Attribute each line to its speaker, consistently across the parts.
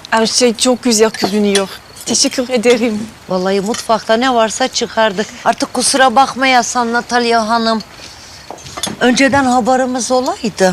Speaker 1: Her şey çok güzel görünüyor. Teşekkür ederim.
Speaker 2: Vallahi mutfakta ne varsa çıkardık. Artık kusura bakmayasın Natalya Hanım. Önceden haberimiz olaydı.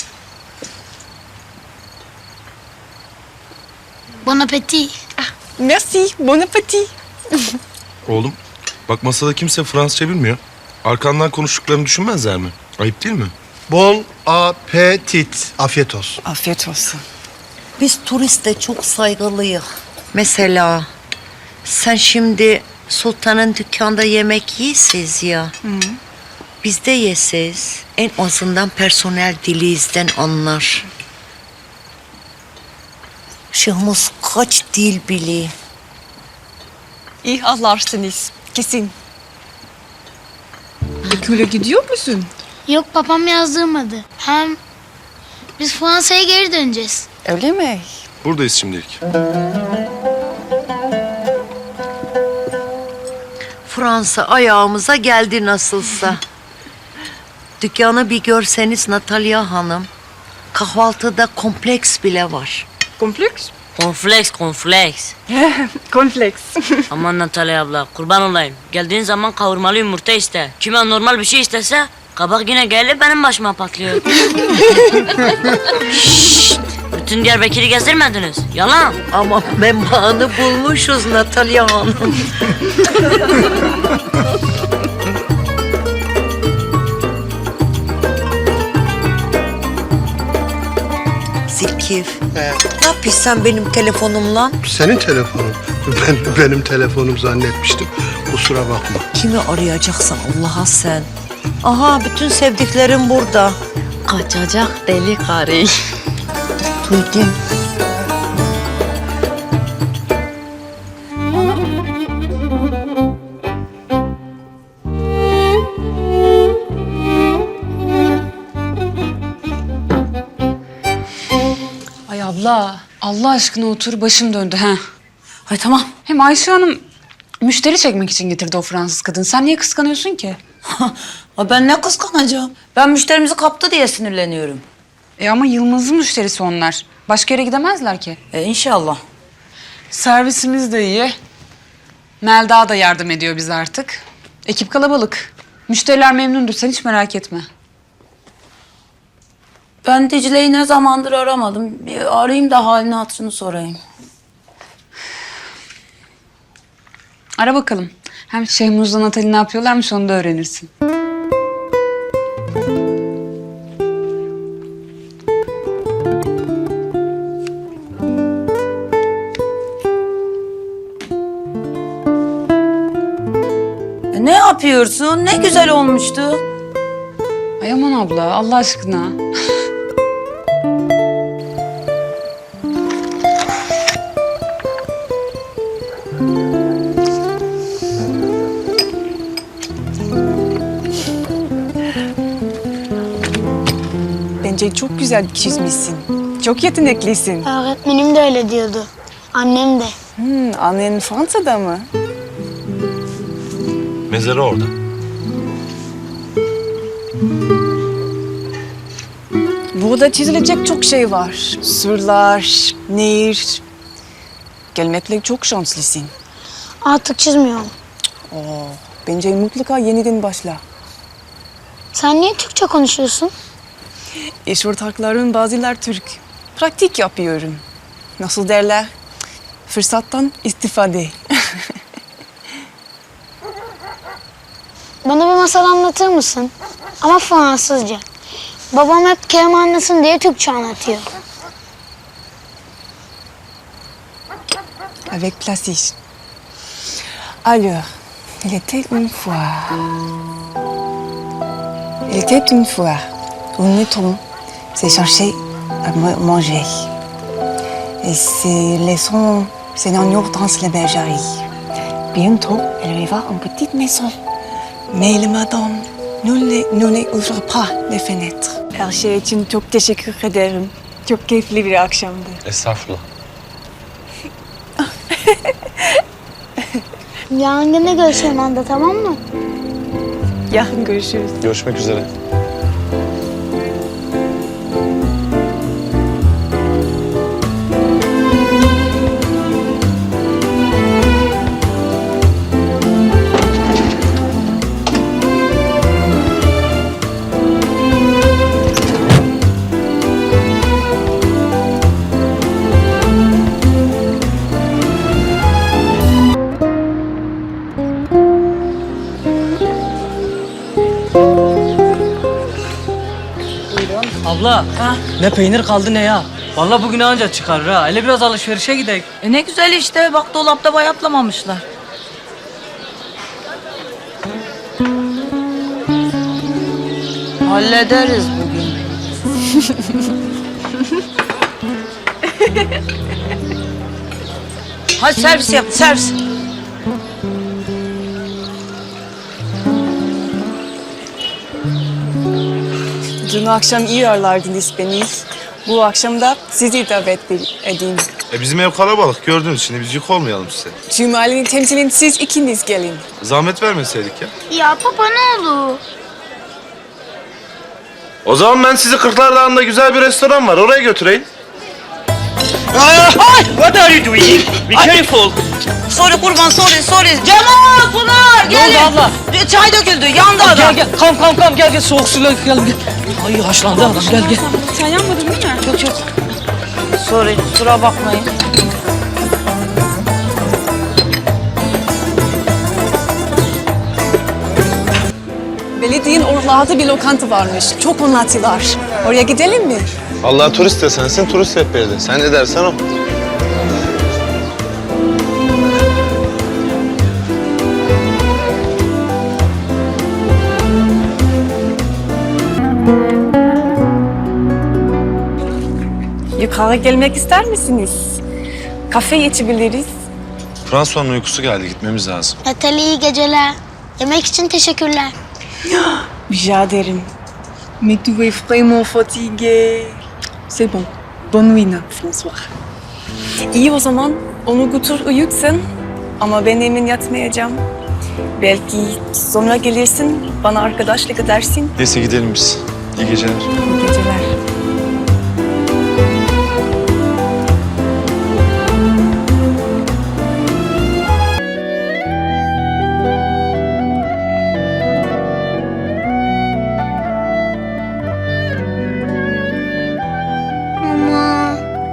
Speaker 3: Bon appétit.
Speaker 1: Merci, bon appétit.
Speaker 4: Oğlum, bak masada kimse Fransızca bilmiyor. Arkandan konuştuklarını düşünmezler mi? Ayıp değil mi?
Speaker 5: Bon appetit. Afiyet olsun.
Speaker 1: Afiyet olsun.
Speaker 2: Biz turiste çok saygılıyız. Mesela sen şimdi sultanın dükkanda yemek yiyesiz ya. Biz de yesiz. En azından personel dilinizden anlar. Şahımız kaç dil biliyor.
Speaker 1: İyi anlarsınız. Kesin. Ekule gidiyor musun?
Speaker 3: Yok, babam yazdırmadı. Hem biz Fransa'ya geri döneceğiz.
Speaker 1: Öyle mi?
Speaker 4: Buradayız şimdilik.
Speaker 2: Fransa ayağımıza geldi nasılsa. Dükkanı bir görseniz Natalya Hanım. Kahvaltıda kompleks bile var.
Speaker 1: Kompleks?
Speaker 6: Konfleks.
Speaker 1: Kompleks.
Speaker 6: Aman Natalya abla, kurban olayım. Geldiğin zaman kavurmalı yumurta iste. Kime normal bir şey istese, kabak yine gelip benim başıma patlıyor. Şşşt! Bütün Diyarbakır'ı gezdirmediniz. Yalan.
Speaker 2: Ama menbaını bulmuşuz Natalya Hanım. Zilkif. Ne yapıyorsun sen benim telefonumla?
Speaker 5: Senin telefonun. Benim telefonum zannetmiştim. Kusura bakma.
Speaker 2: Kimi arayacaksın Allah'a sen? Aha bütün sevdiklerim burada.
Speaker 1: Kaçacak deli karı.
Speaker 2: Duydum.
Speaker 7: Ay abla, Allah aşkına otur, başım döndü ha.
Speaker 8: Ay tamam.
Speaker 7: Hem Ayşe Hanım müşteri çekmek için getirdi o Fransız kadın. Sen niye kıskanıyorsun ki?
Speaker 8: Ay ben ne kıskanacağım? Ben müşterimizi kaptı diye sinirleniyorum.
Speaker 7: Ama Yılmaz'ın müşterisi onlar. Başka yere gidemezler ki.
Speaker 8: İnşallah.
Speaker 7: Servisimiz de iyi. Melda da yardım ediyor bize artık. Ekip kalabalık. Müşteriler memnundur, sen hiç merak etme.
Speaker 8: Ben Dicle'yi ne zamandır aramadım. Bir arayayım da halini hatırını sorayım.
Speaker 7: Ara bakalım. Hem Şehmuz'la Natali ne yapıyorlarmış onu da öğrenirsin.
Speaker 8: Ne yapıyorsun? Ne güzel olmuştu.
Speaker 7: Ay aman abla, Allah aşkına.
Speaker 1: Bence çok güzel çizmişsin. Çok yeteneklisin.
Speaker 3: Öğretmenim de öyle diyordu. Annem de.
Speaker 1: Annen Fransa'da mı?
Speaker 4: Mezarı orada.
Speaker 1: Burada çizilecek çok şey var. Surlar, nehir. Gelmekle çok şanslısın.
Speaker 3: Artık çizmiyorum.
Speaker 1: Bence mutlaka yeniden başla.
Speaker 3: Sen niye Türkçe konuşuyorsun?
Speaker 1: İş ortaklarım bazılar Türk. Pratik yapıyorum. Nasıl derler? Fırsattan istifade.
Speaker 3: Bana bir masal anlatır mısın? Ama Fransızca. Babam hep Kerem anlasın diye Türkçe anlatıyor.
Speaker 1: Avec plaisir. Alors, il était une fois un mouton s'est cherché à manger. Et s'est laissant ses agneaux dans la bergerie. Bientôt, elle arriva à une petite maison. Mais le madame ne ouvre pas les fenêtres. Her şey için çok teşekkür ederim. Çok keyifli bir akşamdı.
Speaker 4: Estağfurullah.
Speaker 3: Yarın gene görüşelim anda, tamam mı?
Speaker 1: Yarın görüşürüz.
Speaker 4: Görüşmek üzere.
Speaker 9: Abla, ne peynir kaldı ne ya. Vallahi bugün anca çıkar ha. Hele biraz alışverişe gidelim.
Speaker 8: Ne güzel işte. Bak dolapta bayatlamamışlar.
Speaker 2: Hallederiz bugün. Hadi servis yap, servis.
Speaker 1: Dün akşam iyi ağırlardınız beni. Bu akşam da sizi davet edeyim.
Speaker 4: Bizim ev kalabalık gördüğünüz için biz yük olmayalım size.
Speaker 1: Tüm ailenin temsilin siz ikiniz gelin.
Speaker 4: Zahmet vermeseydik ya.
Speaker 3: Ya baba ne olur?
Speaker 4: O zaman ben sizi Kırklar Dağı'nda güzel bir restoran var. Oraya götüreyim.
Speaker 9: What are you doing? Be careful.
Speaker 8: Sorry kurban sorry. Cemal, Pınar gelin.
Speaker 9: Ne oldu abla?
Speaker 8: Çay döküldü yandı adam.
Speaker 9: Gel. Kam gel. Soğuk suyla gel. Ay haşlandı adam gel.
Speaker 7: Sen yanmadın değil mi?
Speaker 8: Çok. Sorry kusura bakmayın.
Speaker 1: Belediyenin oralarda bir lokanta varmış. Çok anlattılar. Oraya gidelim mi?
Speaker 10: Allah turist de sensin, turist rehberi. Sen ne dersen o.
Speaker 1: Yukarı gelmek ister misiniz? Kafe içebiliriz.
Speaker 10: François'un uykusu geldi, gitmemiz lazım.
Speaker 3: Natalie iyi geceler. Yemek için teşekkürler.
Speaker 1: Rica ederim. Mais tu es vraiment fatigué. C'est bon. Bonne nuit, François. İyi o zaman. Onu götür uyutsun. Ama ben emin yatmayacağım. Belki sonra gelirsin, bana arkadaşlık edersin.
Speaker 10: Neyse gidelim biz. İyi geceler.
Speaker 1: İyi geceler.
Speaker 3: Mama.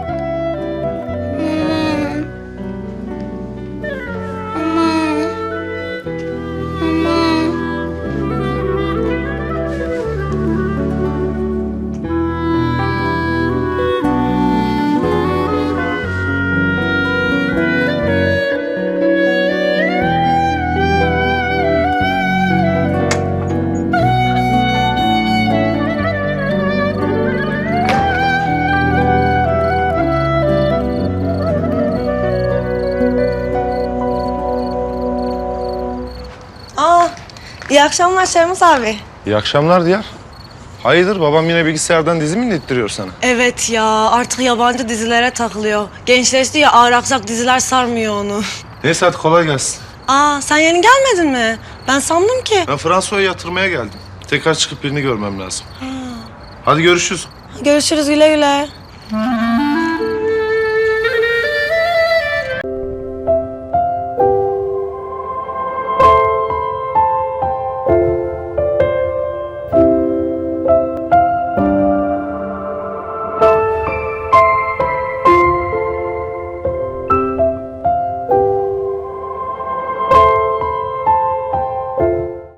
Speaker 11: İyi akşamlar Şermus abi.
Speaker 10: İyi akşamlar Diyar. Hayırdır, babam yine bilgisayardan dizi mi indiriyor sana?
Speaker 11: Evet ya artık yabancı dizilere takılıyor. Gençleşti ya ağır aksak diziler sarmıyor onu.
Speaker 4: Neyse hadi kolay gelsin.
Speaker 11: Sen yeni gelmedin mi? Ben sandım ki.
Speaker 4: Ben François'u yatırmaya geldim. Tekrar çıkıp birini görmem lazım. Hadi görüşürüz.
Speaker 11: Görüşürüz güle güle.